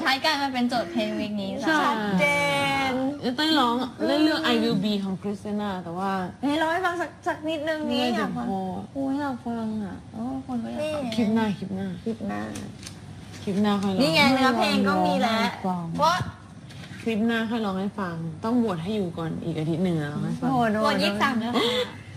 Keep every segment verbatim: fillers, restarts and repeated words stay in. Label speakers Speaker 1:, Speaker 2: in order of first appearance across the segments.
Speaker 1: ท้ายกลายมาเป็นโจทย์เพลงวีคนี้
Speaker 2: ชัดเจน
Speaker 3: จะต้องร้องเรื่องเรื่อง I Will Be ของคริสติน่าแต่ว่า
Speaker 2: ให้ร้องให้ฟังสักสักนิดนึงนี่อยากฟัง
Speaker 3: โอ้ยอยากฟังอ่ะ
Speaker 2: โอ้คนก็อยากฟัง
Speaker 3: คลิปหน้าคลิปหน้า
Speaker 2: คลิปหน้า
Speaker 3: คลิปหน้าค่อยร้อง
Speaker 2: นี่ไงเนื้อเพลงก็มีแล้วเพราะ
Speaker 3: คลิปหน้าค่อยร้องให้ฟังต้องบวชให้อยู่ก่อนอีกอาทิตย์หนึ่งแล้วร้องให้ฟัง
Speaker 2: โหด
Speaker 1: โหวตยี่สิบสามแล้วค่ะ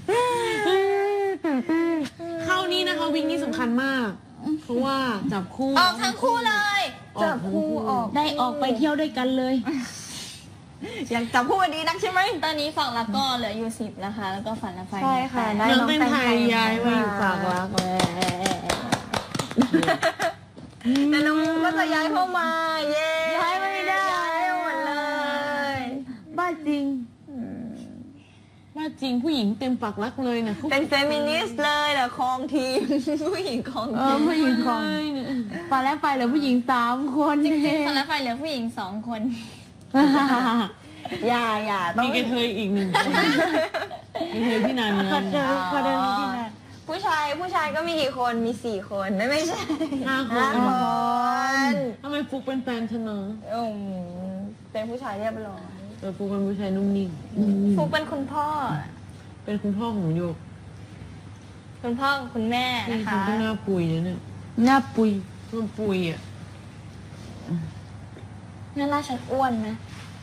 Speaker 3: เข้านี่นะคะวิ่งนี่สำคัญมาก เพราะว่าจับคู่
Speaker 1: ออกทั้งคู่เลย
Speaker 2: จับคู่ออก
Speaker 4: ได้ออกไปเที่ยวด้วยกันเลย
Speaker 2: อยากจับคู่กันดีนักใช่ไหม
Speaker 1: ตอนนี้ฝั่งละก็เหลืออยู่สิบนะคะ แล้วก็ฝันละไฟ
Speaker 2: ใช่ค่ะได้
Speaker 3: น้องเป็นไทยย้ายมาอยู่ฝากรักแล้ว
Speaker 2: แต่น้องมุกก็จะย้ายเข้ามาเย้ย้ายไม่ได้ย้ายหมดเลย
Speaker 4: บ้าจริง
Speaker 3: ว่าจริงผู้หญิงเต็มปากรักเลยนะ
Speaker 2: เป็นเฟมินิสต์เลยแต่ครองทีม ผู้หญิงครอง
Speaker 4: เอ
Speaker 2: ที
Speaker 4: อ
Speaker 2: ม
Speaker 4: ผู้หญิงของ
Speaker 3: เลยเนี่ย
Speaker 4: ตอนแรกไปเหลือผู้หญิงสามคน
Speaker 1: จริงๆฝันละไฟเหลือผู้หญิงสองคน
Speaker 2: อย่าอย่าต้อง
Speaker 3: มีกระเทยอีกหนึ่งคนกระเทยที่นาน
Speaker 4: ขอ
Speaker 3: เงิน
Speaker 4: เดินขอเดินที่นั่น
Speaker 2: ผู้ชายผู้ชายก็มีกี่คนมีสี่คนไม่ไม่ใช่
Speaker 3: ห้าค
Speaker 2: ห้าน คน
Speaker 3: ทำไมฟุกเป็นแฟนฉันเนาะ
Speaker 2: อืมเป็นผู้ชายเรียบร้อย
Speaker 3: เออฟุกเป็นผู้ชายนุ่มนิ่ม
Speaker 1: ฟุกเป็นคุณพ่อ
Speaker 3: เป็นคุณพ่อของโยก
Speaker 1: คุณพ่อกับคุณแม่
Speaker 3: นี่
Speaker 1: นะ
Speaker 3: คุณ
Speaker 1: คะ
Speaker 3: ก็หน้าปุยนะเนี่ย
Speaker 4: หน้าปุย
Speaker 3: มันปุยอ่ะ
Speaker 1: หน่าราชันอ้วนไหม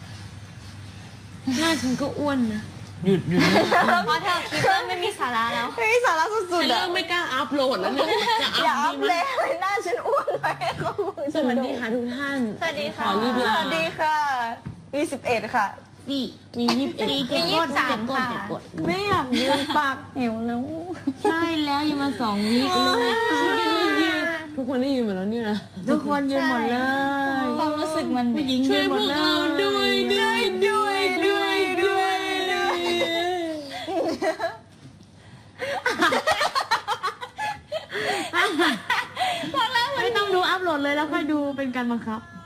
Speaker 3: หน้าฉันก็อ้วนนะหยุดหยุด
Speaker 1: เพราะเธอคลิปเริ่มไม่มีสาระแล้ว
Speaker 2: เฮ้ยสาระสุ
Speaker 3: ฉั
Speaker 2: ด
Speaker 3: น
Speaker 2: ๆ
Speaker 3: เริ่
Speaker 2: อะ
Speaker 3: มไม่กล้าอัพโหลดแล้วเนี่ยจะอัพ
Speaker 2: อย่าอัพ
Speaker 3: ดี
Speaker 2: เล
Speaker 3: มั้ย
Speaker 2: ยหน้าฉันอ้วนไปเขาบอก
Speaker 3: สวัสดีค่ะทุกท่าน
Speaker 1: สวัสดีค่ะ
Speaker 3: ขอรีบ
Speaker 2: ส
Speaker 3: ลา
Speaker 2: วัสดีค่ะมีสิบเอ็ดค่ะ
Speaker 4: สี่
Speaker 3: มียี่สิบเอ็ด
Speaker 4: สี่
Speaker 1: มียี่สิบสามค่ะ
Speaker 4: กด
Speaker 2: ไม่อยากยืนปากหิวแล้ว
Speaker 4: ใช่แล้วยังมาสองวิเลย
Speaker 3: ทุกคนได้ยินหมดแล้วเนี่ยนะ
Speaker 4: ทุกคนยืนหมดเลย
Speaker 1: ความรู้สึกมัน
Speaker 4: ผู้หญิง
Speaker 3: ช่
Speaker 4: ยื
Speaker 3: วย
Speaker 4: นห
Speaker 3: พ
Speaker 4: ม
Speaker 3: ว
Speaker 4: ด
Speaker 3: ก
Speaker 4: เล
Speaker 3: เรา
Speaker 4: ย
Speaker 3: ด้วยด้วยด้วยด้วยด้วยด้วย
Speaker 4: ไม่ต้องดูอัพโหลดเลยแล้วค่อยดูเป็นการบังคับ